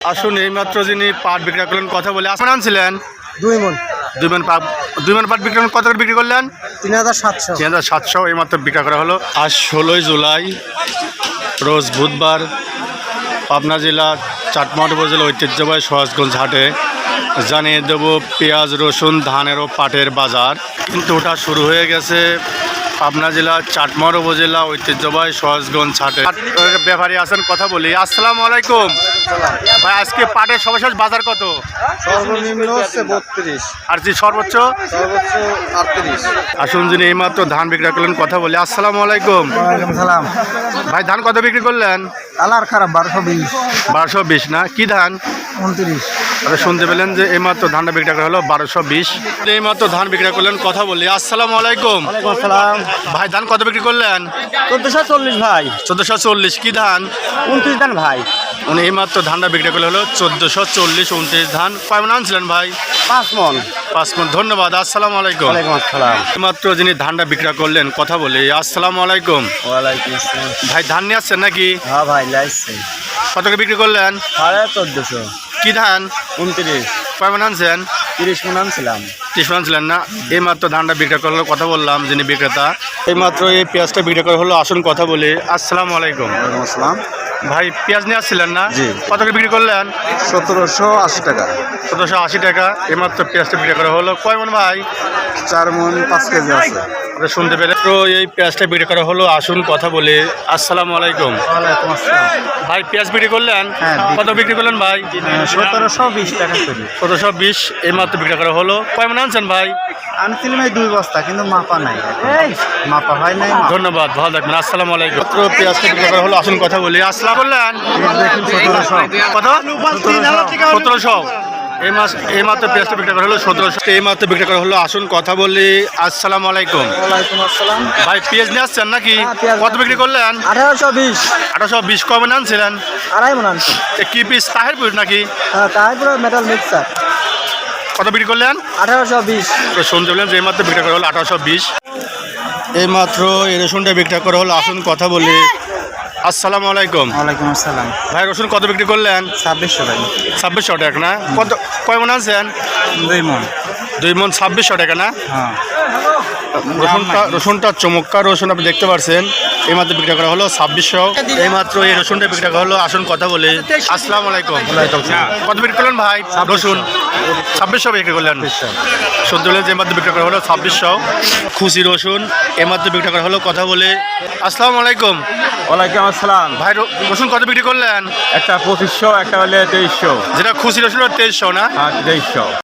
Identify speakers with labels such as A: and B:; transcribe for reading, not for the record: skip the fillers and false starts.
A: আসুন এইমাত্র যিনি পাট বিক্রি করলেন কথা বলে আসমান আনছিলেন
B: 2 মণ
A: 2 মণ পাট বিক্রি করলেন, কত করে বিক্রি করলেন?
B: 3700
A: 3700 এইমাত্র বিক্রি করা হলো। আজ 16ই জুলাই রোজ বুধবার পাবনা জেলা চাটমোহর উপজেলা ঐতিহ্যবাহী সহজগঞ্জ হাটে জানিয়ে দেব পেঁয়াজ রসুন ধানের ও পাটের বাজার কিন্তু ওটা শুরু হয়ে গেছে পাবনা জেলা চাটমোহর উপজেলা ঐতিহ্যবাহী সহজগঞ্জ হাটে। ব্যাপারী আছেন, কথা বলি। আসসালামু আলাইকুম ভাই, আজকে পাটের সর্বশেষ বাজার কত?
B: সর্বনিম্ন হচ্ছে 32,
A: আর যে সর্বোচ্চ
B: সর্বোচ্চ 38।
A: আসুন যিনি এইমাত্র ধান বিক্রি করলেন কথা বলি। আসসালামু আলাইকুম
B: ওয়ালাইকুম সালাম।
A: ভাই, ধান কত বিক্রি করলেন?
B: কালার খারাপ 1220,
A: 1220 না? কি ধান?
B: 29।
A: আরে শুনতে পেলেন যে এইমাত্র ধানটা বিক্রি করা হলো 1220। এইমাত্র ধান বিক্রি করলেন কথা বলি। আসসালামু আলাইকুম
B: ওয়ালাইকুম আসসালাম।
A: ভাই, ধান কত বিক্রি করলেন?
B: 1440 ভাই,
A: 1440 কি ধান?
B: 29 দান ভাই।
A: উনি এইমাত্র ধানটা বিক্রি করলে হলো 1440 29 ধান। কয় মণ আনছিলেন ভাই?
B: 5 মণ।
A: 5 মণ। ধন্যবাদ। আসসালামু আলাইকুম।
B: ওয়ালাইকুম আসসালাম।
A: এইমাত্র যিনি ধানটা বিক্রি করলেন কথা বলি। আসসালামু আলাইকুম
B: ওয়ালাইকুম আসসালাম।
A: ভাই, ধান নিয়ে আসছেন নাকি?
B: হ্যাঁ ভাই, লাইছে
A: কত করে বিক্রি করলেন?
B: 1450,
A: কি ধান?
B: 29,
A: কয় মণ আনছেন?
B: 30 মণ আনছিলাম।
A: 30 মণ আনছিলেন না? এইমাত্র ধানটা বিক্রি করলো কথা বললাম যিনি বিক্রেতা। এইমাত্র এই পেঁয়াজটা বিক্রি করা হলো। আসুন কথা বলি। আসসালামু আলাইকুম
B: ওয়ালাইকুম আসসালাম।
A: ভাই, পেঁয়াজ নিয়ে আসছিলেন না?
B: জি।
A: কত করে বিক্রি করলেন?
B: 1780 টাকা।
A: 1780 টাকা। এইমাত্র পেঁয়াজটা বিক্রি করা হলো। কয় মণ ভাই?
B: 4 মণ 5 কেজি আছে।
A: আপনি শুনতে পেলেন তো এই পেঁয়াজটা বিক্রি করা হলো। আসুন কথা বলি। আসসালামু আলাইকুম
B: ওয়ালাইকুম আসসালাম।
A: ভাই, পেঁয়াজ বিক্রি করলেন?
B: হ্যাঁ,
A: কত বিক্রি করলেন ভাই?
B: 1720 টাকা করে
A: 1720 এইমাত্র বিক্রি করা হলো। কয় মণ আনছেন ভাই?
B: আনছিলাম এই 2 বস্তা, কিন্তু মাপা নাই, মাপা হয় নাই।
A: ধন্যবাদ, ভালো থাকবেন। আসসালামু আলাইকুম। মাত্র পেঁয়াজটা বিক্রি করা হলো। আসুন কথা বলি। আসসালাম করলেন
B: দেখুন 1700।
A: কত? 1700। এইমাত্র পেঁয়াজটা বিক্রি করা হলো 1700। এইমাত্র বিক্রি করা হলো। আসুন কথা বলি। আসসালামু আলাইকুম
B: ওয়ালাইকুম আসসালাম।
A: ভাই, পেঁয়াজ নিয়ে আসছেন নাকি?
B: হ্যাঁ, পেঁয়াজ
A: কত বিক্রি করলেন?
B: 1820,
A: 1820 কবে আনছিলেন?
B: 2.5 মণ আনছি।
A: কি পিস তাহেরপুর নাকি?
B: হ্যাঁ, তাই পুরো মেটাল মিক্সার।
A: কত বিক্রি করলেন?
B: 1820।
A: তো শুনতে পেলেন যে এইমাত্র বিক্রি করা হলো 1820। এইমাত্র এই রসুনটা বিক্রি করা হলো। আসুন কথা বলি। আসসালামু আলাইকুম
B: ওয়ালাইকুম আসসালাম।
A: ভাই, রসুন কত বিক্রি করলেন?
B: 2600 টাকা।
A: 2600 টাকা না? কত কয় মণ আনছেন?
B: 2 মণ।
A: 2 মণ 2600 টাকা না?
B: হ্যাঁ।
A: রসুনটা চমৎকার রসুন, আপনি দেখতে পাচ্ছেন। এইমাত্র বিক্রি করা হলো 2600। এইমাত্র এই রসুনটা বিক্রি করা হলো। আসুন কথা বলি। আসসালামু আলাইকুম। কত বিক্রি করলেন ভাই? রসুন 2600 বিক্রি করলেন। শুনতে পেলেন যে এইমাত্র বিক্রি করা হলো 2600। খুশি রসুন এইমাত্র বিক্রি করা হলো। কথা বলে। আসসালামু আলাইকুম
B: ওয়ালাইকুম আসসালাম।
A: ভাই, রসুন কত বিক্রি করলেন?
B: একটা 2500, একটা হলে 2300।
A: যেটা খুশি রসুন 2300 না?
B: হ্যাঁ, 2300।